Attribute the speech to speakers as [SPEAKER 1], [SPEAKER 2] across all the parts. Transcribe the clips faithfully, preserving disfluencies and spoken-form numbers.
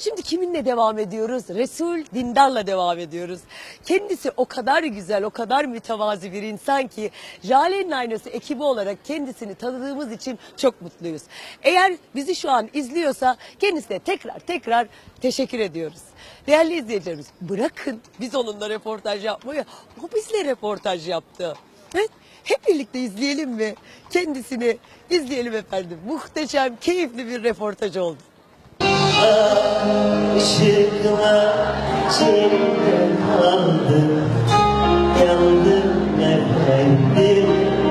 [SPEAKER 1] Şimdi kiminle devam ediyoruz? Resul Dindar'la devam ediyoruz. Kendisi o kadar güzel, o kadar mütevazi bir insan ki Jale'nin Aynası ekibi olarak kendisini tanıdığımız için çok mutluyuz. Eğer bizi şu an izliyorsa kendisine tekrar tekrar teşekkür ediyoruz. Değerli izleyicilerimiz, bırakın biz onunla röportaj yapmayı, o bizle röportaj yaptı. Evet, hep birlikte izleyelim mi? Kendisini izleyelim efendim. Muhteşem, keyifli bir röportaj oldu.
[SPEAKER 2] Işıkla içimden aldım, yandım efendim.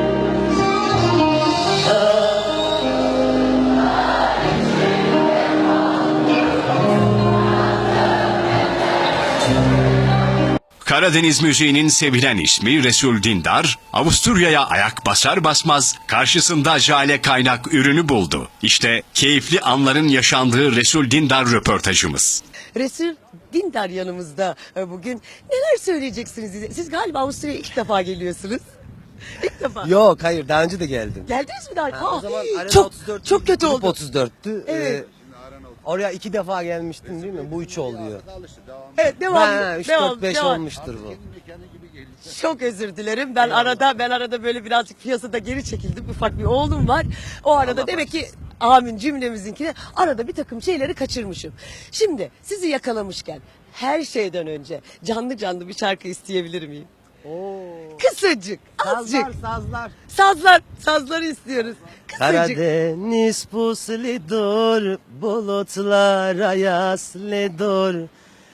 [SPEAKER 3] Karadeniz müziğinin sevilen ismi Resul Dindar, Avusturya'ya ayak basar basmaz karşısında Jale Kaynak ürünü buldu. İşte keyifli anların yaşandığı Resul Dindar röportajımız.
[SPEAKER 1] Resul Dindar yanımızda bugün. Neler söyleyeceksiniz size? Siz galiba Avusturya'ya ilk defa geliyorsunuz. İlk defa.
[SPEAKER 4] Yok hayır daha önce de geldim.
[SPEAKER 1] Geldiniz mi daha?
[SPEAKER 4] Ha, o
[SPEAKER 1] Aa,
[SPEAKER 4] zaman Arena
[SPEAKER 1] çok
[SPEAKER 4] otuz dört
[SPEAKER 1] çok kötü
[SPEAKER 4] Grup
[SPEAKER 1] oldu.
[SPEAKER 4] otuz dörttü.
[SPEAKER 1] Evet.
[SPEAKER 4] Ee, oraya iki defa gelmiştin değil mi? Bu üç oluyor.
[SPEAKER 1] Evet, devam.
[SPEAKER 4] Ben üç
[SPEAKER 1] devam,
[SPEAKER 4] dört beş
[SPEAKER 1] devam.
[SPEAKER 4] olmuştur bu.
[SPEAKER 1] Çok özür dilerim. Ben arada ben arada böyle birazcık piyasada geri çekildim. Ufak bir oğlum var. O arada
[SPEAKER 4] Allah
[SPEAKER 1] demek ki amin cümlemizinkine arada bir takım şeyleri kaçırmışım. Şimdi sizi yakalamışken her şeyden önce canlı canlı bir şarkı isteyebilir miyim?
[SPEAKER 4] Oo.
[SPEAKER 1] Kısacık, azıcık.
[SPEAKER 4] Sazlar sazlar.
[SPEAKER 1] Sazlar, sazları istiyoruz. Kısacık.
[SPEAKER 4] Karadeniz puslidur, bulutlara yaslidur.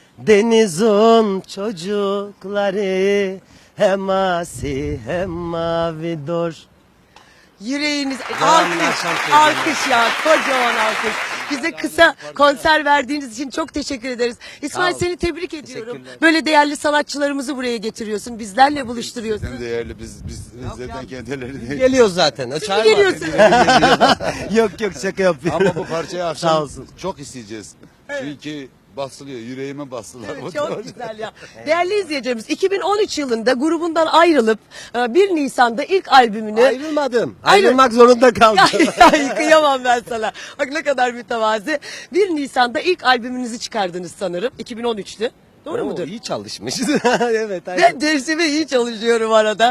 [SPEAKER 4] Denizin çocukları hem asi hem mavidur.
[SPEAKER 1] Yüreğiniz
[SPEAKER 4] Devamlı
[SPEAKER 1] alkış,
[SPEAKER 4] akşam söyleyeyim.
[SPEAKER 1] alkış ya, kocaman alkış. Bize kısa konser verdiğiniz için çok teşekkür ederiz. İsmail,
[SPEAKER 4] Sağ ol.
[SPEAKER 1] seni tebrik ediyorum.
[SPEAKER 4] Teşekkürler.
[SPEAKER 1] Böyle değerli sanatçılarımızı buraya getiriyorsun, bizlerle buluşturuyorsun.
[SPEAKER 5] Sizden değerli biz biz zaten kendileri değil.
[SPEAKER 4] Geliyoruz zaten.
[SPEAKER 1] Siz mi
[SPEAKER 4] Çağırma.
[SPEAKER 1] geliyorsunuz?
[SPEAKER 4] Yok yok şaka yapıyorum.
[SPEAKER 5] Ama bu parçayı
[SPEAKER 4] Sağ
[SPEAKER 5] akşam
[SPEAKER 4] olsun.
[SPEAKER 5] çok isteyeceğiz. Çünkü basılıyor, yüreğime bastılar.
[SPEAKER 1] Evet,
[SPEAKER 5] bu
[SPEAKER 1] çok
[SPEAKER 5] parça.
[SPEAKER 1] güzel ya. Değerli izleyicilerimiz, iki bin on üç yılında grubundan ayrılıp e, bir Nisan'da ilk albümünü...
[SPEAKER 4] Ayrılmadım. Ayrılmak zorunda kaldım.
[SPEAKER 1] Ya, kıyamam ben sana. Bak ne kadar mütevazi. bir Nisan'da ilk albümünüzü çıkardınız sanırım. iki bin on üçtü. Doğru
[SPEAKER 4] Oo,
[SPEAKER 1] mudur?
[SPEAKER 4] İyi çalışmışız. Evet. aynen.
[SPEAKER 1] Ben dersime iyi çalışıyorum arada.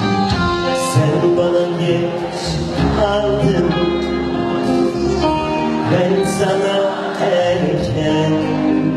[SPEAKER 2] Sen bana geç kaldın, ben sana erken.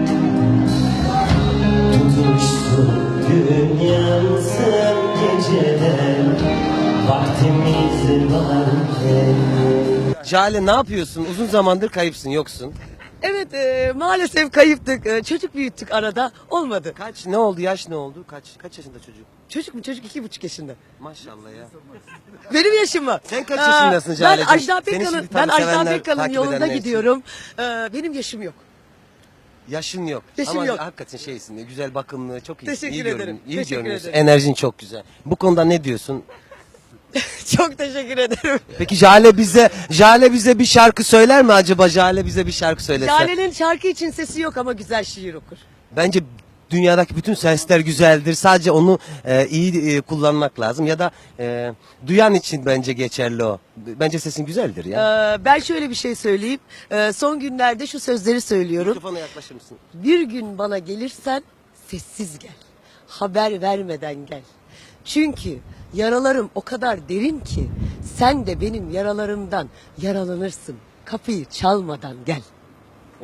[SPEAKER 2] Tutuşsun gün yansın geceler, vaktimiz varken.
[SPEAKER 4] Jale ne yapıyorsun? Uzun zamandır kayıpsın, yoksun.
[SPEAKER 1] Evet, e, maalesef kayıptık. E, çocuk büyüttük arada. Olmadı.
[SPEAKER 4] Kaç ne oldu? Yaş ne oldu? Kaç kaç yaşında çocuk?
[SPEAKER 1] Çocuk mu? Çocuk iki buçuk yaşında.
[SPEAKER 4] Maşallah ya.
[SPEAKER 1] Benim yaşım mı?
[SPEAKER 4] Sen kaç
[SPEAKER 1] Aa,
[SPEAKER 4] yaşındasın
[SPEAKER 1] Ben
[SPEAKER 4] Jale'cim?
[SPEAKER 1] Ajda
[SPEAKER 4] Seni
[SPEAKER 1] Pekkan'ın
[SPEAKER 4] şimdi tabii
[SPEAKER 1] ben Ajda
[SPEAKER 4] sevenler,
[SPEAKER 1] Pekkan'ın
[SPEAKER 4] takip
[SPEAKER 1] yolunda
[SPEAKER 4] edenler için.
[SPEAKER 1] gidiyorum. E, benim yaşım yok.
[SPEAKER 4] Yaşın yok.
[SPEAKER 1] Yaşım
[SPEAKER 4] Ama
[SPEAKER 1] yok.
[SPEAKER 4] hakikaten şeysin. Güzel bakımlı, çok iyi.
[SPEAKER 1] Teşekkür
[SPEAKER 4] iyi
[SPEAKER 1] ederim.
[SPEAKER 4] görün- iyi
[SPEAKER 1] Teşekkür
[SPEAKER 4] görünüyorsun.
[SPEAKER 1] ederim.
[SPEAKER 4] Enerjin çok güzel. Bu konuda ne diyorsun?
[SPEAKER 1] Çok teşekkür ederim.
[SPEAKER 4] Peki Jale bize Jale bize bir şarkı söyler mi acaba? Jale bize bir şarkı söylese.
[SPEAKER 1] Lale'nin şarkı için sesi yok ama güzel şiir okur.
[SPEAKER 4] Bence dünyadaki bütün sesler güzeldir. Sadece onu e, iyi e, kullanmak lazım ya da e, duyan için bence geçerli o. Bence sesin güzeldir ya.
[SPEAKER 1] Ee, ben şöyle bir şey söyleyeyim. Ee, son günlerde şu sözleri söylüyorum.
[SPEAKER 4] Mikrofona yaklaşır mısın?
[SPEAKER 1] Bir gün bana gelirsen sessiz gel. Haber vermeden gel. Çünkü yaralarım o kadar derin ki sen de benim yaralarımdan yaralanırsın. Kapıyı çalmadan gel.
[SPEAKER 4] Oo.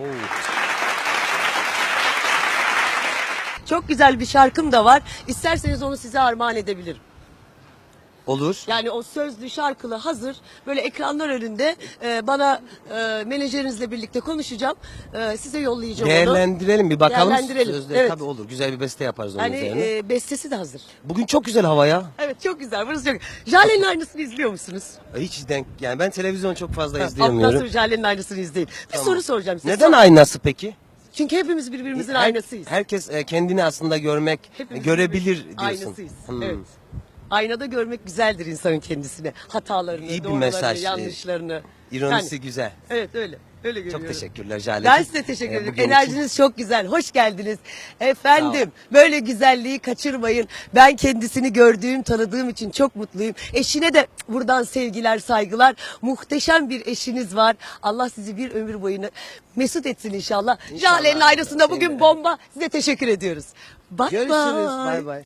[SPEAKER 1] Çok güzel bir şarkım da var. İsterseniz onu size armağan edebilirim.
[SPEAKER 4] Olur.
[SPEAKER 1] Yani o sözlü şarkılı hazır böyle ekranlar önünde e, bana e, menajerinizle birlikte konuşacağım. E, size yollayacağım onu.
[SPEAKER 4] Değerlendirelim bir bakalım.
[SPEAKER 1] Değerlendirelim,
[SPEAKER 4] Sözleri
[SPEAKER 1] evet.
[SPEAKER 4] tabii olur. Güzel bir beste yaparız onun
[SPEAKER 1] Yani
[SPEAKER 4] üzerine.
[SPEAKER 1] e, bestesi de hazır.
[SPEAKER 4] Bugün çok güzel hava ya.
[SPEAKER 1] Evet, çok güzel. Burası çok. Jale'nin aynısını izliyor musunuz?
[SPEAKER 4] Hiç denk yani ben televizyon çok fazla
[SPEAKER 1] Ondan
[SPEAKER 4] izleyemiyorum.
[SPEAKER 1] sonra Jale'nin aynısını izleyin. Bir
[SPEAKER 4] Tamam.
[SPEAKER 1] soru soracağım size.
[SPEAKER 4] Neden
[SPEAKER 1] Sor-
[SPEAKER 4] aynası peki?
[SPEAKER 1] Çünkü hepimiz birbirimizin
[SPEAKER 4] Her-
[SPEAKER 1] aynasıyız.
[SPEAKER 4] Herkes e, kendini aslında görmek,
[SPEAKER 1] Hepimiz
[SPEAKER 4] görebilir
[SPEAKER 1] birbirimiz
[SPEAKER 4] diyorsun.
[SPEAKER 1] Aynasıyız.
[SPEAKER 4] Hmm.
[SPEAKER 1] Evet. Aynada görmek güzeldir insanın kendisine. Hatalarını,
[SPEAKER 4] İyi bir
[SPEAKER 1] doğrularını,
[SPEAKER 4] mesaj.
[SPEAKER 1] yanlışlarını.
[SPEAKER 4] İronisi
[SPEAKER 1] Yani,
[SPEAKER 4] güzel.
[SPEAKER 1] evet öyle. Öyle görüyorum.
[SPEAKER 4] Çok teşekkürler Jale.
[SPEAKER 1] Ben size teşekkür
[SPEAKER 4] Ee,
[SPEAKER 1] ederim.
[SPEAKER 4] bugün için-
[SPEAKER 1] Enerjiniz çok güzel. Hoş geldiniz. Efendim böyle güzelliği kaçırmayın. Ben kendisini gördüğüm, tanıdığım için çok mutluyum. Eşine de buradan sevgiler, saygılar. Muhteşem bir eşiniz var. Allah sizi bir ömür boyunu mesut etsin inşallah.
[SPEAKER 4] İnşallah.
[SPEAKER 1] Jale'nin ayrısında bugün
[SPEAKER 4] Seninle.
[SPEAKER 1] bomba. Size teşekkür ediyoruz. Bye
[SPEAKER 4] Görüşürüz.
[SPEAKER 1] bye.
[SPEAKER 4] Bay bay.